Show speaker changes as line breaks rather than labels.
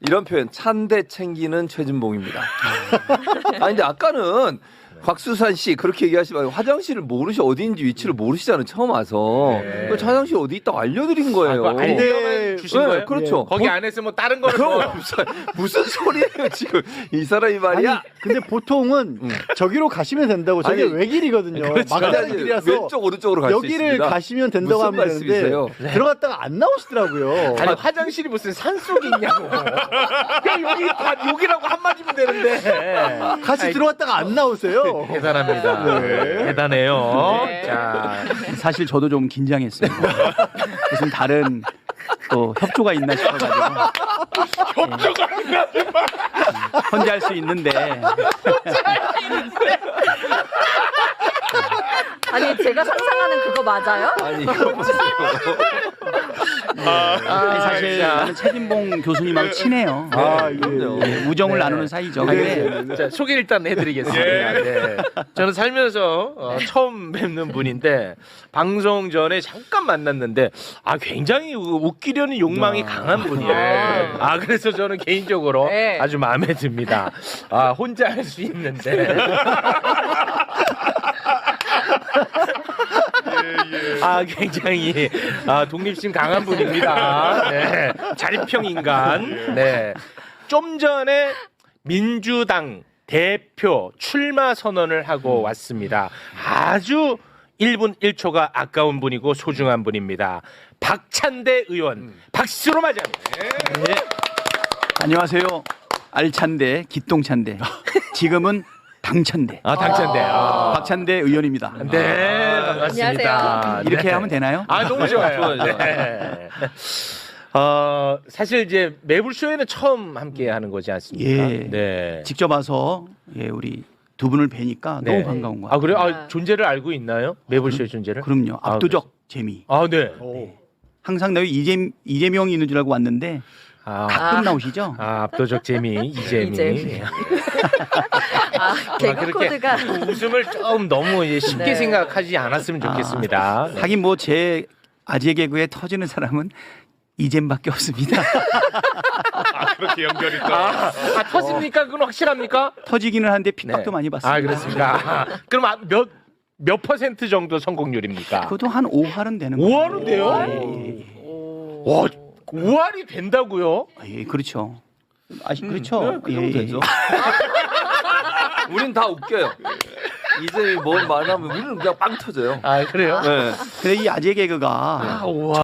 이런 표현 찬대 챙기는 최진봉입니다. 아니 근데 아까는 곽수산 씨 그렇게 얘기하시면 화장실을 어디인지 위치를 모르시잖아요. 처음 와서. 그래서 화장실 어디 있다고 알려드린 거예요.
알려만 주신
네,
거예요?
그렇죠.
거기 안에서 뭐 다른 거를
그럼
뭐
무슨 소리예요 지금 이 사람이 말이야.
아니, 근데 보통은 저기로 가시면 된다고. 저게
아니,
외길이거든요.
그렇죠.
막다른 길이라서
왼쪽 오른쪽으로 갈 수 있습니다.
여기를 가시면 된다고
무슨
하면 되는데
말씀이세요?
들어갔다가 안 나오시더라고요.
아니 화장실이 무슨 산 속에 있냐고. 그냥 여기 다 여기라고 한마디면 되는데.
같이 들어갔다가 안 나오세요.
대단합니다. 대단해요.
네.
자,
사실 저도 좀 긴장했어요. 무슨 다른 또 협조가 있나 싶어가지고. 협조가 있나? 혼자 할 수 있는데.
아니 제가 상상하는 그거 맞아요?
아니 이거 보세요.
아니, 사실 나는 최진봉 교수님하고 친해요.
그럼요.
우정을 나누는 사이죠. 근데
자, 소개 일단 해드리겠습니다. 네. 저는 살면서 처음 뵙는 분인데 방송 전에 잠깐 만났는데 굉장히 웃기려는 욕망이 강한 분이에요. 그래서 저는 개인적으로
네.
아주 마음에 듭니다. 혼자 할 수 있는데. 굉장히 독립심 강한 분입니다. 네. 자립형 인간. 네. 좀 전에 민주당 대표 출마 선언을 하고 왔습니다. 아주 1분 1초가 아까운 분이고 소중한 분입니다. 박찬대 의원 박수로 맞이합니다.
네. 안녕하세요. 알찬대, 기똥찬대. 지금은 당찬대.
당찬대.
박찬대 의원입니다.
네, 반갑습니다.
안녕하세요.
이렇게
네.
하면 되나요?
너무 좋아요.
좋아요.
네. 사실 이제 매불쇼에는 처음 함께 하는 거지 않습니까?
예.
네.
직접 와서 우리 두 분을 뵈니까
네.
너무 반가운 것 같아요.
그래요? 존재를 알고 있나요? 매불쇼의 존재를?
그럼요. 압도적 재미.
네.
항상 내 이재명이 있는 줄 알고 왔는데 가끔 나오시죠?
압도적 재미, 이재미.
이재미. 개그
그렇게
코드가
웃음을 좀 너무 이제 쉽게
네.
생각하지 않았으면 좋겠습니다. 네.
하긴 뭐 제 아재 개그에 터지는 사람은 이잼밖에 없습니다.
그렇게 연결이 또. 터집니까? 그건 확실합니까?
터지기는 하는데 핍박도 많이 받습니다.
그렇습니까? 그럼 몇 퍼센트 정도 성공률입니까?
그것도 한 5할은 되는 거예요.
5할은 돼요? 와, 5할이 된다고요?
그렇죠. 그렇죠.
그럼 되죠. 우린 다 웃겨요. 이제 뭘 말하면 우리는 그냥 빵 터져요.
그래요?
네.
근데 이 아재 개그가